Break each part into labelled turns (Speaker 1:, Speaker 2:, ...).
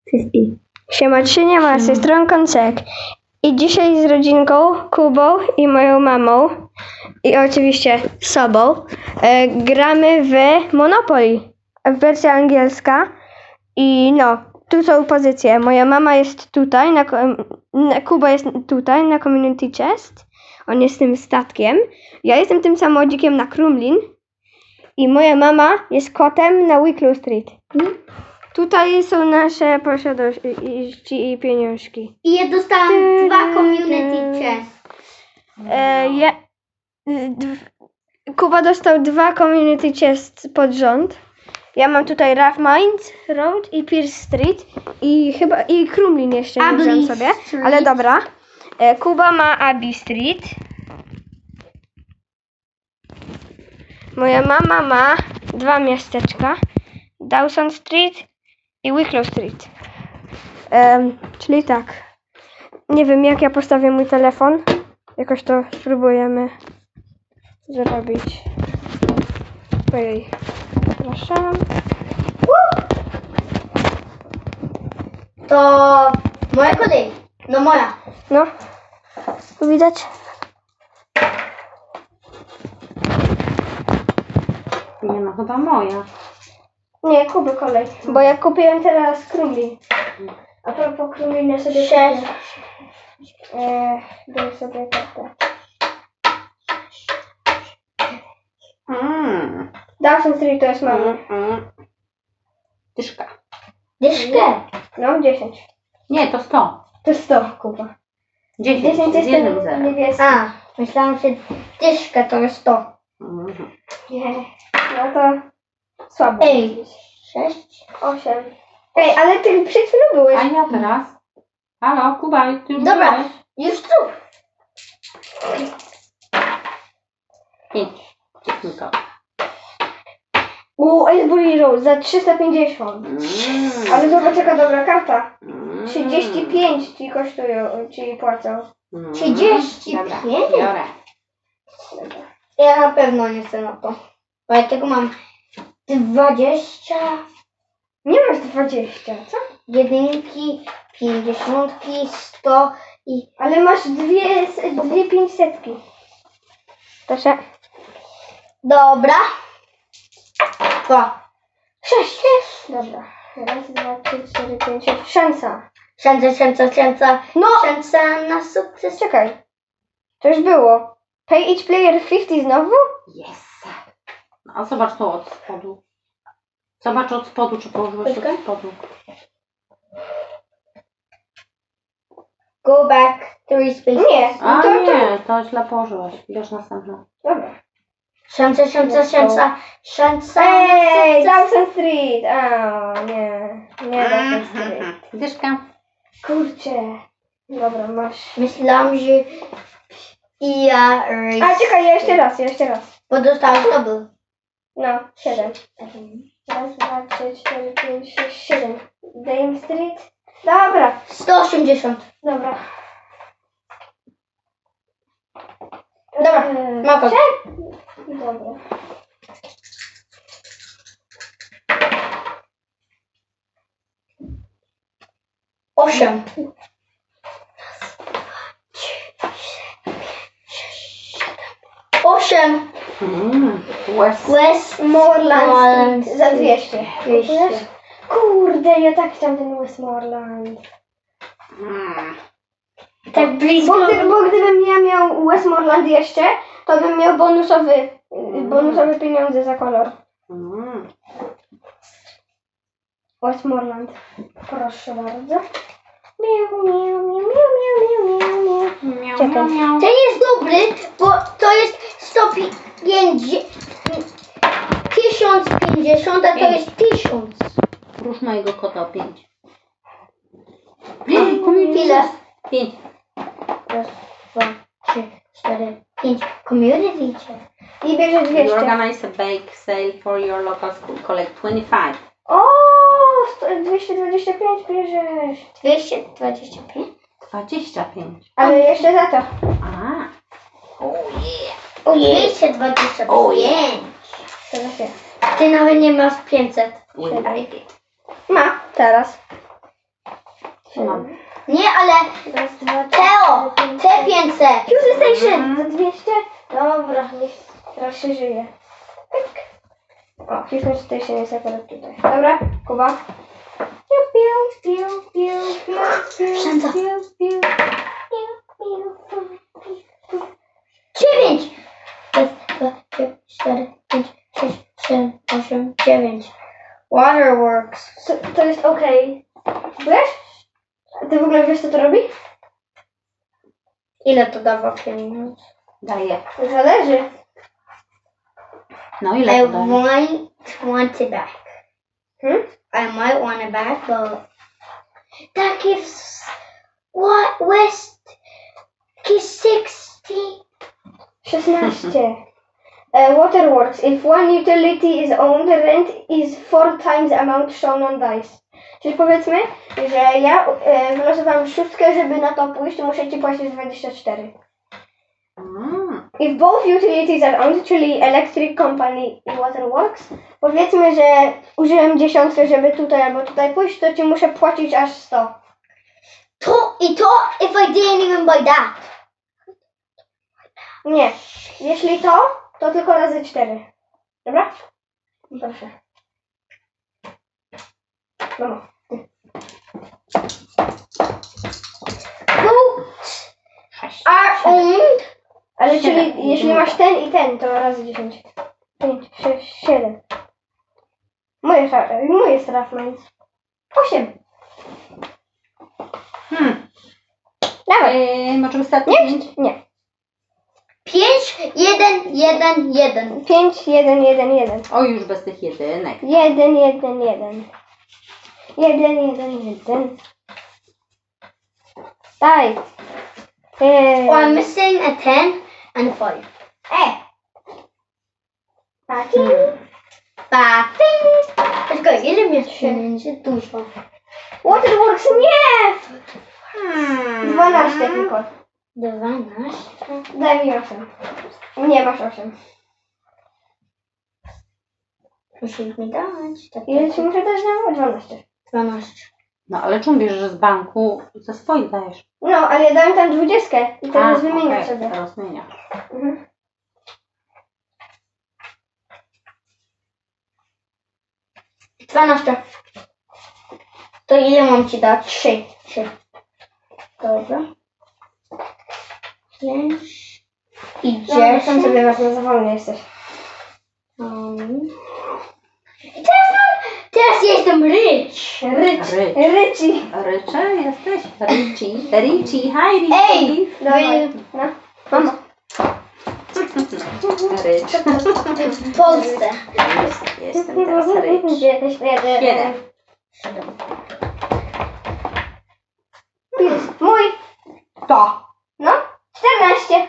Speaker 1: Siema, czy nie ma, z tej strony Koncek. I dzisiaj z rodzinką, Kubą i moją mamą i oczywiście sobą gramy w Monopoly, w wersji angielska. I no, tu są pozycje. Moja mama jest tutaj, Kuba jest tutaj na Community Chest. On jest tym statkiem. Ja jestem tym samochodzikiem na Krumlin. I moja mama jest kotem na Wicklow Street. Tutaj są nasze posiadłości i pieniążki.
Speaker 2: I ja dostałam 2 community chest.
Speaker 1: Kuba dostał 2 community chest pod rząd. Ja mam tutaj Rough Mines Road i Pierce Street i Krumlin jeszcze nie wziąłem sobie,
Speaker 2: Street.
Speaker 1: ale dobra. Kuba ma Abbey Street. Moja mama ma 2 miasteczka. Dawson Street i Wicklow Street. Czyli tak. Nie wiem, jak ja postawię mój telefon. Jakoś to spróbujemy zrobić. Ojej. Przepraszam.
Speaker 2: To moja kolej. No moja.
Speaker 1: No. Tu widać?
Speaker 3: Nie no, chyba moja.
Speaker 1: Nie, Kuby kolej. Bo ja kupiłem teraz Krumlin. A propos Krumlina sobie
Speaker 2: 6.
Speaker 1: daj sobie kartę. Dawson Street to jest mamy.
Speaker 3: Dyszka.
Speaker 2: Dyszkę.
Speaker 1: No, 10.
Speaker 3: Nie, to 100.
Speaker 1: To jest 100, Kuba.
Speaker 3: 10
Speaker 1: 10
Speaker 3: z
Speaker 1: jest
Speaker 3: jednym
Speaker 1: ten
Speaker 3: zerem.
Speaker 1: niebieski.
Speaker 2: A, myślałam, że dyszkę to jest to.
Speaker 1: Nie. No to słabo.
Speaker 2: Ej, 6.
Speaker 1: 8. Ej, ale ty przed chwilą byłeś.
Speaker 3: A ja teraz? Halo, Kuba, ty już
Speaker 2: Dobra,
Speaker 3: byłeś?
Speaker 2: już tu.
Speaker 3: 5. To.
Speaker 1: Aylesbury Road za 350. Ale zobacz jaka dobra karta. 35 ci kosztują, ci płacą.
Speaker 2: 35?
Speaker 3: Dobra, biorę.
Speaker 2: Ja na pewno nie chcę na to. Bo ja tego mam 20.
Speaker 1: Nie masz 20, co?
Speaker 2: Jedynki, 50, 100 i...
Speaker 1: Ale masz dwie 500. Proszę.
Speaker 2: Dobra. 2.
Speaker 1: 6. Dobra. 1, 2, 3, 4, 5, 6. Szansa.
Speaker 2: Szansa.
Speaker 1: No!
Speaker 2: Szansa na sukces.
Speaker 1: Czekaj. To już było. Pay each player 50 znowu?
Speaker 3: Yes. A zobacz to od spodu. Zobacz od spodu, czy położyłeś
Speaker 2: Czekaj.
Speaker 3: od spodu.
Speaker 2: Go back 3 spaces.
Speaker 1: Nie.
Speaker 3: A
Speaker 1: to,
Speaker 3: nie, to źle położyłeś. Bierz następną.
Speaker 1: Dobra.
Speaker 2: Szansa.
Speaker 1: Ej, Dawson Street. A, nie. Nie Dawson Street.
Speaker 3: Dyszka.
Speaker 1: Kurczę. Dobra, masz.
Speaker 2: Myślałam, że... I ja...
Speaker 1: A, czekaj, jeszcze raz.
Speaker 2: Bo dostałam double.
Speaker 1: No, 7. 1, 2, 3, 4, 5, 6, 7. Dame Street. Dobra.
Speaker 2: 180.
Speaker 1: Dobra.
Speaker 2: Dobra, ma to.
Speaker 1: Dobra.
Speaker 2: Osiem.
Speaker 1: Westmoreland za 200.
Speaker 2: 200.
Speaker 1: Kurde, ja tak chciałam ten Westmoreland.
Speaker 2: Tak blisko.
Speaker 1: Bo gdybym ja miał Westmoreland jeszcze, to bym miał bonusowe pieniądze za kolor. Westmoreland. Proszę bardzo. Miau, miau, miau, miau, miau, miau, miau. Czekaj.
Speaker 2: Ten jest dobry, bo to jest 1050, a to jest 1000.
Speaker 3: Rusz mojego kota o 5.
Speaker 2: Ile?
Speaker 3: 5.
Speaker 2: Raz, 2, 3, 4, 5. Community check.
Speaker 1: I bierze
Speaker 3: You
Speaker 1: 200.
Speaker 3: organize a bake sale for your local school. Collect 25.
Speaker 1: O, 225 bierzesz.
Speaker 2: 225.
Speaker 3: 25.
Speaker 1: Ale jeszcze za to.
Speaker 3: A.
Speaker 2: Ojej. 225.
Speaker 1: Teraz ja.
Speaker 2: Ty nawet nie masz 500.
Speaker 3: We like it.
Speaker 1: Ma, teraz.
Speaker 3: Co mam?
Speaker 2: Nie, ale
Speaker 1: Raz, dwa, trzy,
Speaker 2: Teo,
Speaker 1: cztery, pięć,
Speaker 2: te
Speaker 1: sześć.
Speaker 2: 500.
Speaker 1: Fusion Station za 200. Dobra, niech teraz się żyje. Pyk. O, Fusion Station jest akurat tutaj. Dobra, Kuba. Piu, piu, piu, piu, piu, piu,
Speaker 2: Wszędzie.
Speaker 1: piu, piu.
Speaker 2: 9. Raz, dwa, trzy, 4, 5, 6, 7, 8, 9. Waterworks.
Speaker 1: To jest okej. Wiesz? A ty w ogóle wiesz, co to robi?
Speaker 2: Ile to dawa pieniędzy?
Speaker 3: Daję.
Speaker 1: Zależy.
Speaker 3: No
Speaker 2: I
Speaker 3: ile to daje?
Speaker 2: might want it back.
Speaker 1: Hmm?
Speaker 2: I might want it back, but that gives what West gives 60.
Speaker 1: 16. Waterworks. If one utility is owned, rent is 4 times the amount shown on dice. Czyli powiedzmy, że ja wylosowałam 6, żeby na to pójść, to muszę ci płacić 24. If both utilities are owned, czyli Electric Company i Waterworks, powiedzmy, że użyłem 10, żeby tutaj albo tutaj pójść, to ci muszę płacić aż 100.
Speaker 2: To if I didn't even buy that.
Speaker 1: Nie. Jeśli to tylko razy 4. Dobra? Proszę. Mamo.
Speaker 2: Boats
Speaker 3: 6.
Speaker 2: are owned.
Speaker 1: Ale
Speaker 3: 7.
Speaker 1: czyli jeśli masz ten i ten, to razy 10. 5, 6, 7. Moje Strathmines. 8. Dawaj.
Speaker 3: Może wystarczy?
Speaker 1: Nie.
Speaker 2: 5, 1, 1, 1.
Speaker 1: 5, 1, 1, 1.
Speaker 3: O, już bez tych jedynek.
Speaker 1: 1, 1, 1. 1, 1, 1. Daj.
Speaker 2: Oh, I'm missing a 10 and a 5.
Speaker 1: Taki.
Speaker 2: Pating. Czekaj, ile mieć pieniędzy? Dużo.
Speaker 1: Waterworks nie! 12 tylko.
Speaker 2: 12.
Speaker 1: Daj mi 8. Nie masz 8.
Speaker 2: Musisz mi dać. Tak,
Speaker 1: Ile ci muszę dać na 12?
Speaker 2: 12.
Speaker 3: No ale czemu bierzesz, że z banku ze swoich dajesz?
Speaker 1: No, ale ja dałem tam 20 i teraz wymienię
Speaker 3: okej,
Speaker 1: sobie.
Speaker 3: Teraz zmieniasz.
Speaker 1: Mhm.
Speaker 2: To ile mam ci dać? 3. Dobra. 5.
Speaker 1: No,
Speaker 2: Idziesz.
Speaker 1: sam sobie wezmę, za wolny jesteś.
Speaker 2: I teraz jestem rich.
Speaker 1: Ryci.
Speaker 3: Rycze jesteś? Ricci, hi Ricci.
Speaker 2: Ej!
Speaker 1: Dawaj. No. Mamo.
Speaker 3: Rycz.
Speaker 2: W Polsce.
Speaker 3: Jestem teraz rycz. Jeden.
Speaker 1: Mój.
Speaker 3: To.
Speaker 1: No. 14.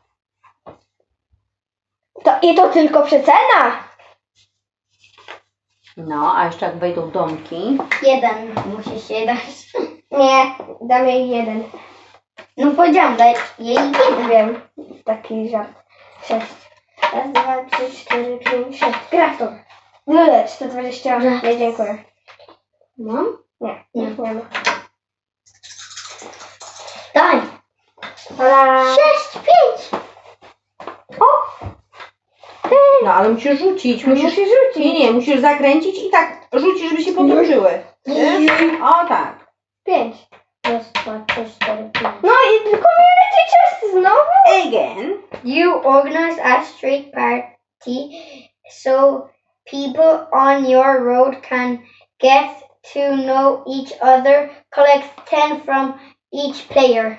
Speaker 1: To tylko przecena.
Speaker 3: No, a jeszcze jak wejdą domki.
Speaker 2: 1 musisz jej dać.
Speaker 1: Nie, dam jej 1.
Speaker 2: No powiedziałam, daj jej 1.
Speaker 1: Wiem. Taki żart. 6. Raz, 2, 3, 4, 5, 6. Gra w to. 120. Nie, dziękuję.
Speaker 2: Mam?
Speaker 1: Nie,
Speaker 2: Nie.
Speaker 1: nie ma.
Speaker 2: Daj.
Speaker 1: Hola.
Speaker 2: 6, 5.
Speaker 3: No, ale musisz rzucić.
Speaker 1: Musisz rzucić.
Speaker 3: Nie, musisz zakręcić i tak rzucić, żeby się potoczyły. O tak.
Speaker 1: 5.
Speaker 2: Raz, 2, 3, 4, 5.
Speaker 1: No i community chest znowu?
Speaker 3: Again.
Speaker 2: You organize a street party so people on your road can get to know each other. Collect 10 from each player.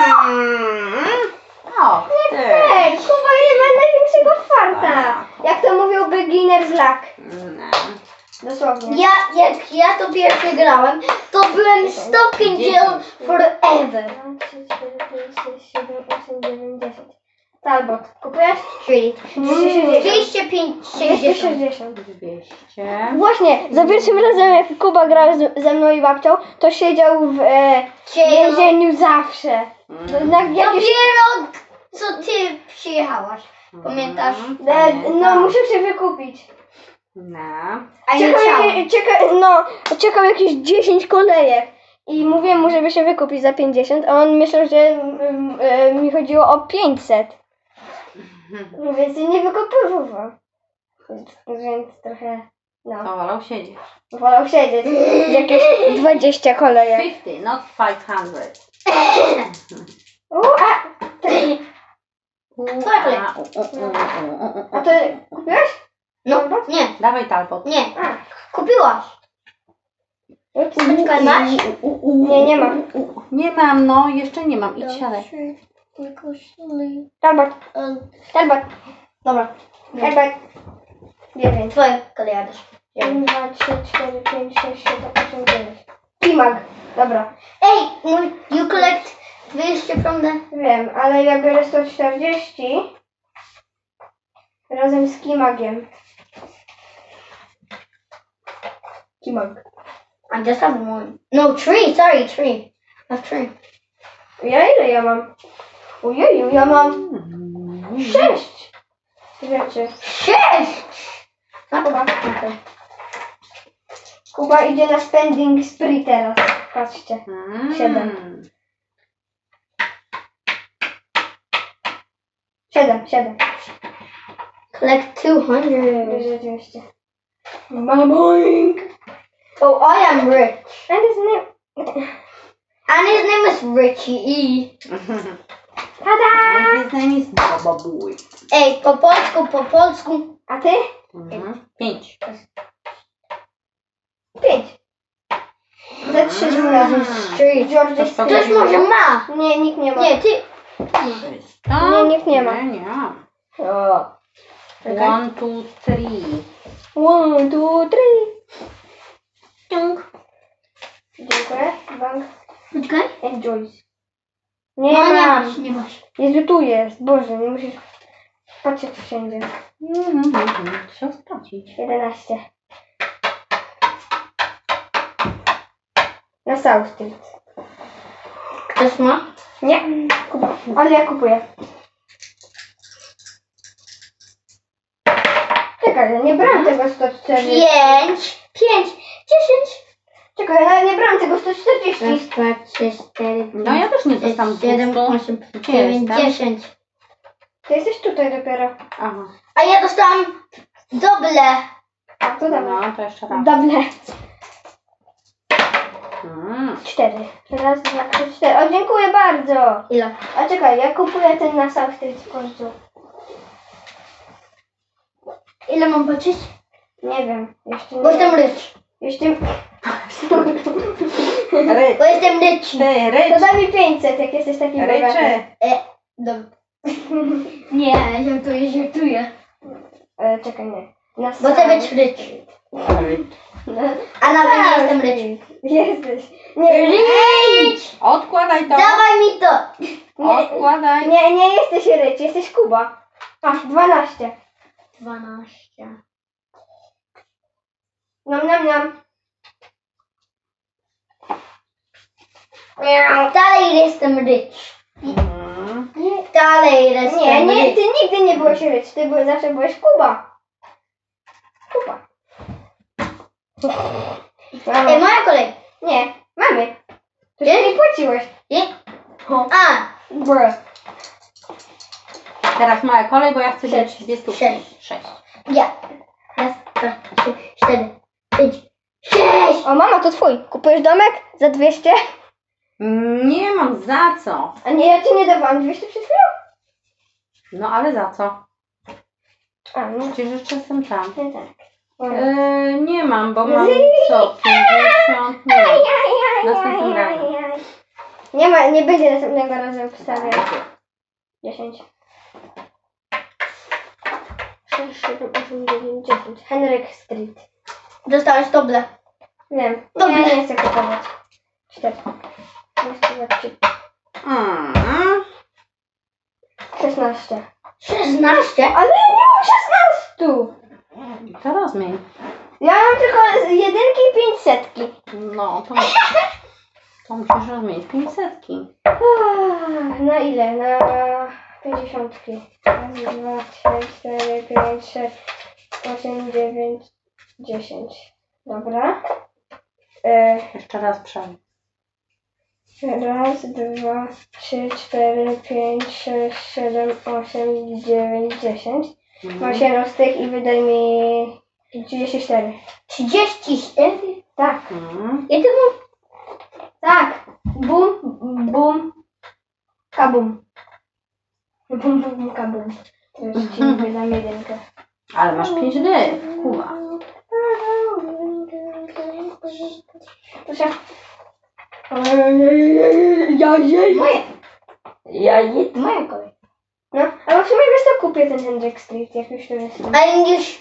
Speaker 3: O, ty.
Speaker 1: Ej, Kuba nie ma największego farta. Jak to mówił beginner's luck.
Speaker 3: No.
Speaker 1: Dosłownie.
Speaker 2: Jak ja to pierwszy grałem, to byłem stuck in jail forever.
Speaker 1: 2, 3, 4, 5, 6, 7, 8, 9, 10. Talbot. Kupujesz?
Speaker 2: Czyli
Speaker 1: 260.
Speaker 2: 205, 60.
Speaker 1: 260.
Speaker 3: 200.
Speaker 1: Właśnie, za pierwszym razem jak Kuba grał ze mną i babcią, to siedział w więzieniu zawsze.
Speaker 2: Dopiero co ty przyjechałaś. Pamiętasz?
Speaker 1: No, muszę się wykupić.
Speaker 3: No.
Speaker 2: A ja chciałam.
Speaker 1: Czekał jakieś 10 kolejek. I mówię mu, żeby się wykupić za 50, a on myślał, że mi chodziło o 500. Więc się nie wykupywał. Więc trochę, no,
Speaker 3: To wolał siedzieć.
Speaker 1: wolał siedzieć. Jakieś 20 kolejek.
Speaker 3: 50, not 500.
Speaker 2: Twoja kolej.
Speaker 1: A to kupiłeś?
Speaker 2: No, nie,
Speaker 3: Dawaj talbot.
Speaker 2: nie.
Speaker 1: A.
Speaker 2: Kupiłaś. Poczekaj, masz?
Speaker 1: Nie, nie mam.
Speaker 3: Nie mam, no, jeszcze nie mam. Idź siadaj.
Speaker 1: Talbot. Talbot.
Speaker 2: Dobra.
Speaker 1: Talbot. 9.
Speaker 2: Twoja kolej, Adaś.
Speaker 1: 1, 2, 3, 4, 5, 6, 7, 8, 9. Kimag. Dobra.
Speaker 2: Ej, you collect 200 from the...
Speaker 1: Wiem, ale ja biorę 140 razem z Kimagiem. Kimag.
Speaker 2: I just have one. No, 3, sorry, 3. I have 3.
Speaker 1: Ile ja mam? Ojeju, ja mam 6 rzeczy.
Speaker 2: 6!
Speaker 1: Kuba. Kuba idzie na spending spree teraz. Patrzcie. 7. 7.
Speaker 2: Collect 200.
Speaker 1: Rzeczywiście. Mamoink.
Speaker 2: Oh, I am rich.
Speaker 1: And his name...
Speaker 2: And his name is Richie E.
Speaker 1: Tada!
Speaker 3: His name is Baba Boy.
Speaker 2: Ej, po polsku, po polsku.
Speaker 1: A ty?
Speaker 3: 5.
Speaker 1: 5. Za 3 razem.
Speaker 2: Street.
Speaker 1: George
Speaker 3: To
Speaker 2: Ktoś może ma.
Speaker 1: Nie, nikt nie ma.
Speaker 2: Nie, ty.
Speaker 1: Nie, nikt nie ma.
Speaker 3: Nie, nie.
Speaker 1: O.
Speaker 3: 1, 2, 3.
Speaker 1: 1, 2, 3.
Speaker 2: Tung.
Speaker 1: Dziękuję. Bank.
Speaker 2: Poczekaj.
Speaker 1: And Joyce. Nie
Speaker 2: No, nie
Speaker 1: mam.
Speaker 2: masz, nie masz.
Speaker 1: Jezu, tu jest. Boże, nie musisz patrzeć wszędzie.
Speaker 3: Trzeba sprawdzić.
Speaker 1: 11. Na South Street.
Speaker 2: Ktoś ma?
Speaker 1: Nie, Kuba. Ale ja kupuję. Czekaj, ja nie brałam tego 140.
Speaker 2: 5, 10.
Speaker 1: Czekaj, ja nie brałam tego 140.
Speaker 2: Raz, dwa, trzy, 4,
Speaker 3: No ja też nie dostałam
Speaker 2: 7,
Speaker 3: 200.
Speaker 2: 8,
Speaker 3: Gdzie
Speaker 2: 9,
Speaker 3: jestem?
Speaker 2: 10.
Speaker 1: Ty jesteś tutaj dopiero.
Speaker 3: Aha.
Speaker 2: A ja dostałam doble.
Speaker 1: A, to dawaj.
Speaker 3: No, to jeszcze raz.
Speaker 1: Dobre.
Speaker 3: Mm.
Speaker 1: 4. Raz, 2, 3, 4. O, dziękuję bardzo.
Speaker 2: Ile?
Speaker 1: A czekaj, ja kupuję ten na South Street w końcu.
Speaker 2: Ile mam płacić?
Speaker 1: Nie wiem, jeszcze nie.
Speaker 2: Bo jestem rich.
Speaker 1: Jeszcze...
Speaker 3: Rycz.
Speaker 2: Bo jestem rich.
Speaker 3: Ty,
Speaker 1: To
Speaker 3: rycz.
Speaker 1: daj mi 500, jak jesteś taki bogaty.
Speaker 3: Rycze.
Speaker 2: Dobra. Nie, żartuję.
Speaker 1: Czekaj, nie. Na
Speaker 2: Bo chcę być rich. A nawet nie jestem rich.
Speaker 1: Jesteś. Nie,
Speaker 2: Rich!
Speaker 3: Odkładaj to.
Speaker 2: Dawaj mi to.
Speaker 3: Odkładaj.
Speaker 1: nie jesteś rycz, jesteś Kuba. Masz 12.
Speaker 2: 12.
Speaker 1: Nam.
Speaker 2: Dalej jestem rich.
Speaker 3: Mm.
Speaker 2: Dalej jestem
Speaker 1: Nie,
Speaker 2: rich.
Speaker 1: ty nigdy nie byłeś rycz, zawsze byłeś Kuba.
Speaker 2: Ej, moja kolej.
Speaker 1: Nie, mamy. To
Speaker 2: Nie?
Speaker 1: się nie płaciłeś.
Speaker 2: Nie? A,
Speaker 1: Bruh.
Speaker 3: Teraz moja kolej, bo ja chcę mieć
Speaker 2: 6.
Speaker 3: 2 stówki.
Speaker 2: 6.
Speaker 3: 6.
Speaker 2: ja. Raz, dwa, 3, 4, 5, 6.
Speaker 1: O, mama, to twój. Kupujesz domek za 200?
Speaker 3: Nie mam za co.
Speaker 1: A nie, ja ci nie dawałam 200 przed chwilą?
Speaker 3: No ale za co?
Speaker 1: A, no.
Speaker 3: Przecież jeszcze jestem tam.
Speaker 1: Nie tak.
Speaker 3: Nie mam, bo mam co? 50? Nie. Następnym razem.
Speaker 1: Nie będzie następnego razu obstawiać. 10. 6, 7, 8, 9, 10. Henryk Street.
Speaker 2: Dostałeś doble.
Speaker 1: Wiem.
Speaker 2: Dobra.
Speaker 1: Ja nie chcę kupować. 4. 16.
Speaker 2: 16?
Speaker 1: Ale ja nie mam 16!
Speaker 3: To rozmień.
Speaker 1: Ja mam tylko jedynki i 500.
Speaker 3: No, to musisz rozmienić 500.
Speaker 1: Na ile? Na 50. Raz, 2, 3, 4, 5, 6, 8, 9, 10. Dobra.
Speaker 3: Jeszcze raz przejdź.
Speaker 1: Raz, dwa, 3, 4, 5, 6, 7, 8, 9, 10. Mam 7 z tych i wydaj mi 34.
Speaker 2: 34?
Speaker 1: Tak.
Speaker 2: Ja to mam...
Speaker 1: Tak. Bum, bum, kabum. Bum, bum, kabum. Teraz ci wydam jedynkę.
Speaker 3: Ale masz 5 dych, Kuba.
Speaker 1: Proszę.
Speaker 2: Moje.
Speaker 1: Jajit.
Speaker 2: Moja kolej.
Speaker 1: No, ale w sumie wiesz co, kupię ten Hendrik Street, jak już tu jestem.
Speaker 2: English.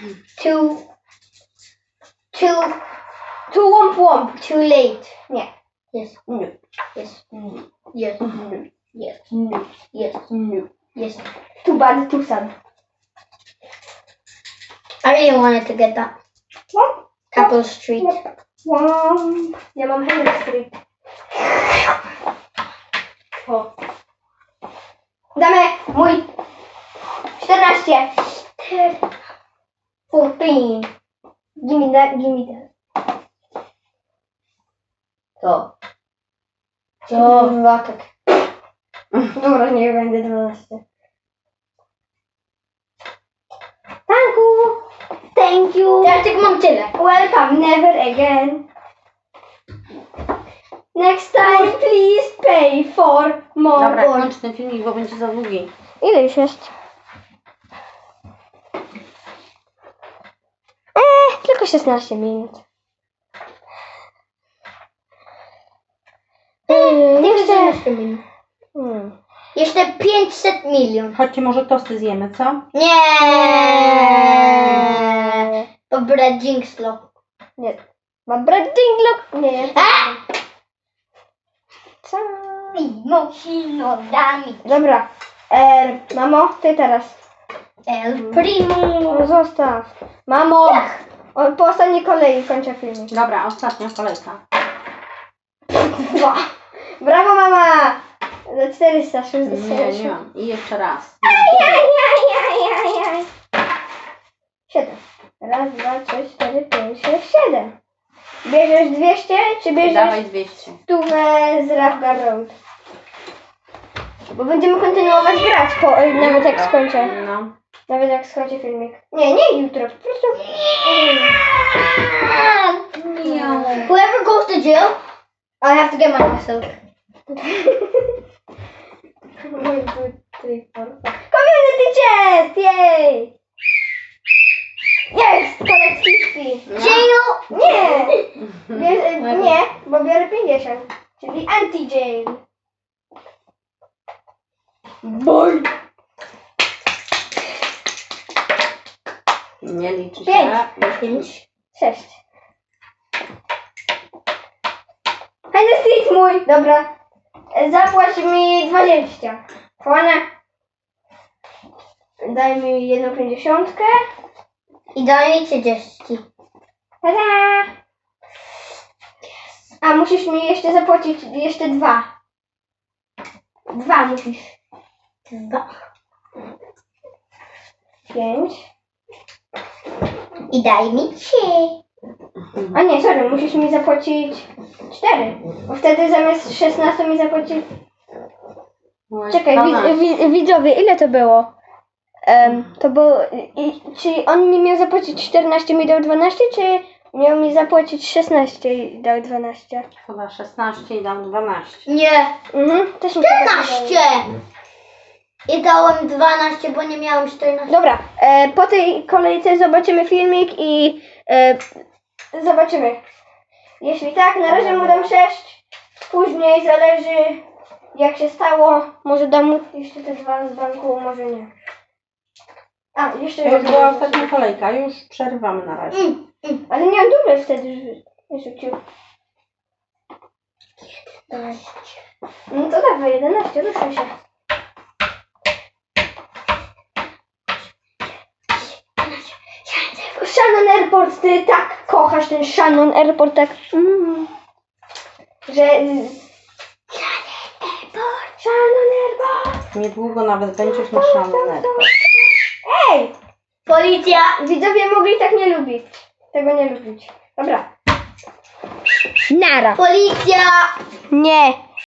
Speaker 1: Tu łomp łomp.
Speaker 2: Too late.
Speaker 1: Nie.
Speaker 2: Yes.
Speaker 3: Nie.
Speaker 2: Yes. Yes. Yes. Yes. Yes.
Speaker 1: Too bad, too sad.
Speaker 2: I really wanted to get that.
Speaker 1: Łomp.
Speaker 2: Capitol Street.
Speaker 1: Łomp. Ja mam Hendrik Street. O. Damy mój 14. 14. Give me that, give me that.
Speaker 2: Co?
Speaker 1: Dwa, tak. Dobra, nie będę 12. Thank you.
Speaker 2: Ja tylko mam tyle.
Speaker 1: Welcome, never again. Next time, please pay for more.
Speaker 3: Dobra, kończ ten filmik, bo będzie za długi.
Speaker 1: Ile już jest? Tylko 16 minut.
Speaker 2: Jeszcze 500 milion.
Speaker 3: Chodźcie, może tosty zjemy, co?
Speaker 2: Nie. Dobre jinxlo.
Speaker 1: Nie. Ma brat dinglok? Nie. Co?
Speaker 2: Mimo dami.
Speaker 1: Dobra. Mamo, ty teraz.
Speaker 2: El primo.
Speaker 1: No zostaw. Mamo! Po ostatniej kolei kończę filmik.
Speaker 3: Dobra, ostatnia kolejka.
Speaker 1: Dwa. Brawo, mama! Za 460.
Speaker 3: Nie mam. I jeszcze raz.
Speaker 1: 7. Raz, dwa, 3, 4, 5, 6, 7. Bierzesz 200, czy bierzesz
Speaker 3: Dawaj 200.
Speaker 1: stówę z Rafgar Road? Bo będziemy kontynuować grać, nawet jak skończę.
Speaker 3: No.
Speaker 1: Nawet jak skończę filmik. Nie jutro, po prostu.
Speaker 2: Whoever goes to jail, I have to get money myself.
Speaker 1: Community chest! Yay! Jest! Collect 50!
Speaker 2: Jail?
Speaker 1: Nie! Nie, bo biorę 50. Czyli anti-jail. Boy!
Speaker 3: Nie liczy się.
Speaker 1: 5. 6. Hajde street mój! Dobra. Zapłać mi 20. Chłonę. Daj mi 1,50.
Speaker 2: I daj mi 30.
Speaker 1: Tada! A musisz mi jeszcze zapłacić jeszcze 2. 2 musisz.
Speaker 2: 2.
Speaker 1: 5.
Speaker 2: I daj mi 3.
Speaker 1: A nie, sorry, musisz mi zapłacić 4. Bo wtedy zamiast 16 mi zapłacić... Czekaj, widzowie, ile to było? To było... Czyli on mi miał zapłacić 14, mi dał 12, czy miał mi zapłacić 16 i dał 12?
Speaker 3: Chyba 16 i dam 12.
Speaker 2: Nie.
Speaker 1: Też mi się tak
Speaker 2: 14.
Speaker 1: wydaje.
Speaker 2: I dałem 12, bo nie miałem 14.
Speaker 1: Dobra, po tej kolejce zobaczymy filmik i zobaczymy. Jeśli tak, na razie mu dam 6. Później zależy jak się stało. Może dam mu jeszcze te 2 z banku, może nie. A, jeszcze
Speaker 3: To już była ostatnia kolejka, już przerywamy na razie.
Speaker 1: Ale nie mam duble wtedy rzucił. Dawaj. No to dawaj, 11, ruszaj się. Shannon Airport, ty tak kochasz ten Shannon Airport, tak. Że... Shannon Airport!
Speaker 3: Niedługo nawet będziesz na szalonego.
Speaker 1: Ej!
Speaker 2: Policja!
Speaker 1: Widzowie mogli tak nie lubić. Tego nie lubić. Dobra. Nara.
Speaker 2: Policja!
Speaker 1: Nie.